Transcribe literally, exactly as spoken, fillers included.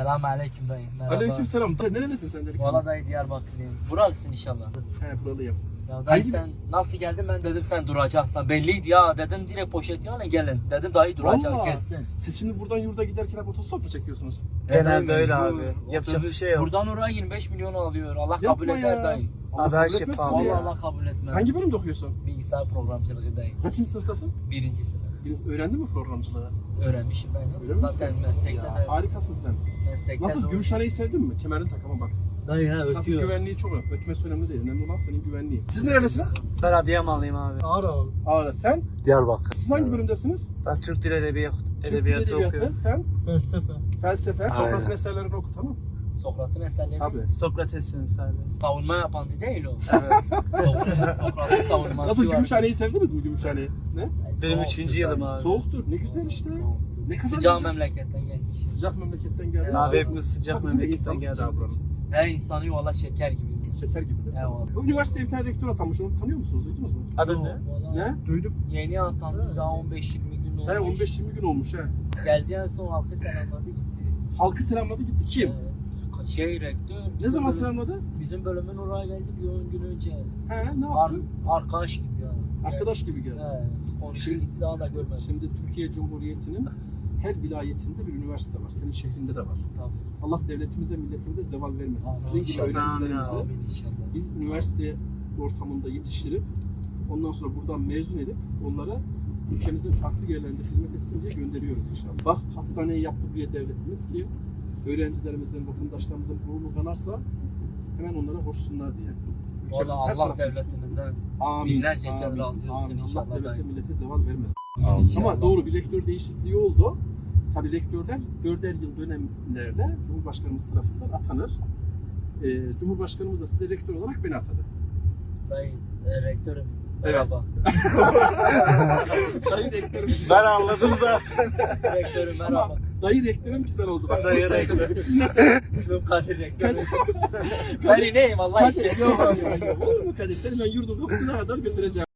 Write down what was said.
Selamun aleyküm dayı. Merhaba. Aleykümselam. Nerelisin sen dedik? Valla dayı Diyarbakırlıyım. Buralısın inşallah. He buralıyım. Ya dayı Hangi- sen nasıl geldin ben dedim sen duracaksan. Belliydi ya dedim direkt poşet alın gelin. Dedim dayı duracak Vallahi. kessin. Siz şimdi buradan yurda giderken hep otostop mu çekiyorsunuz? Genelde öyle mecbur. abi. Yapacak bir şey yok. Buradan oraya yirmi beş milyon alıyor. Allah Yapma kabul eder ya. dayı. Allah Abi her kabul şey etmesin pahalı ya. Vallahi Allah kabul etmez. Sen hangi bölümde okuyorsun? Bilgisayar programcılığı dayı. Kaçıncı sınıftasın? Birinci sınıf. Biriniz öğrendin mi programcılığı? Öğrenmişim dayı. Öyle Nasıl? misin? Zaten meslekte Ya, de. harikasın sen. Meslekte Nasıl de- Gümüşhane'yi sevdin mi? Kemerini tak ama bak. Dayı ha Trafik ötüyor. güvenliği çok önemli. Ötmesi önemli değil. Önemli olan senin güvenliğin. Siz nerelisiniz? Ben Adıyamanlıyım abi. Ağrı abi. Ağrı. Sen? Diyarbakır. Siz hangi bölümdesiniz? Ben Türk Dil Edebiyat, Türk Edebiyatı Edebiyatı. okuyorum. Sen? Felsefe. Felsefe. Aynen. Sokrat meselelerini oku tamam mı? Sokrat'ın eserleri. Tabii. Sokrates'in sadece. Savunma yapan değil o. Evet. Doğru. Sokrat'ın savunması Nasıl var. Gümüşhane'yi sevdiniz mi Gümüşhane'yi? Ne? Yani Benim soğuktur üçüncü yılım dayı. abi. Soğuktur. Ne güzel işte. Ne kadar Sıcak güzel. memleketten gelmiş. Sıcak memleketten geldi. Evet. Abi hepimiz sıcak Bak, bizim de memleketten insan sıcağı geldik. buranın. Her insanı valla şeker gibi. Şeker gibidir. Evet. Bu üniversiteye bir tane rektör atanmış. Onu tanıyor musunuz? Duydunuz mu? Adın ne? Valla Ne? Duydum. Yeni atandı daha on beş yirmi gün olmuş. He on beş yirmi gün olmuş he. Geldi en son halkı selamladı gitti. Halkı selamladı gitti. Kim? Evet. Şey rektör. Ne bizim zaman bölüm- selamladı? Bizim bölümün oraya geldi bir on gün önce. He ne Ar yaptı? arkadaş gibi ya. Arkadaş gibi geldi. He. Konuştu Şimdi- gitti daha da görmedim. Şimdi Türkiye Cumhuriyeti'nin her vilayetinde bir üniversite var. Senin şehrinde de var. Tabii. Allah devletimize, milletimize zeval vermesin. Amin Sizin gibi inşallah. öğrencilerimizi Amin inşallah. biz üniversite ortamında yetiştirip ondan sonra buradan mezun edip onlara ülkemizin farklı yerlerinde hizmet etsin diye gönderiyoruz inşallah. Bak hastaneyi yaptı buraya devletimiz ki öğrencilerimizin, vatandaşlarımızın gururunu kanarsa hemen onlara hoşsunlar diye. Ülkemizin Valla her Allah tarafı- devletimizden Amin, binlerce kez amin, razı olsun amin. inşallah Allah devlete dayı. millete zeval vermesin. İnşallah. Ama doğru bir rektör değişikliği oldu. Tabii rektörler dörder yıl dönemlerle Cumhurbaşkanımız tarafından atanır. Ee, Cumhurbaşkanımız da size rektör olarak beni atadı. Dayı, e, rektörüm. Evet. Merhaba. Dayı rektörüm. Ben anladım zaten. Rektörüm merhaba. Dayı rektörüm güzel oldu. Bak, Dayı nasıl- rektör. İsmi nasıl? İsmim Kadir rektörüm. ben ineyim Allah Kadir. için. Yok, yok, yok. Olur mu Kadir? Seni ben yurdun kapısına kadar götüreceğim.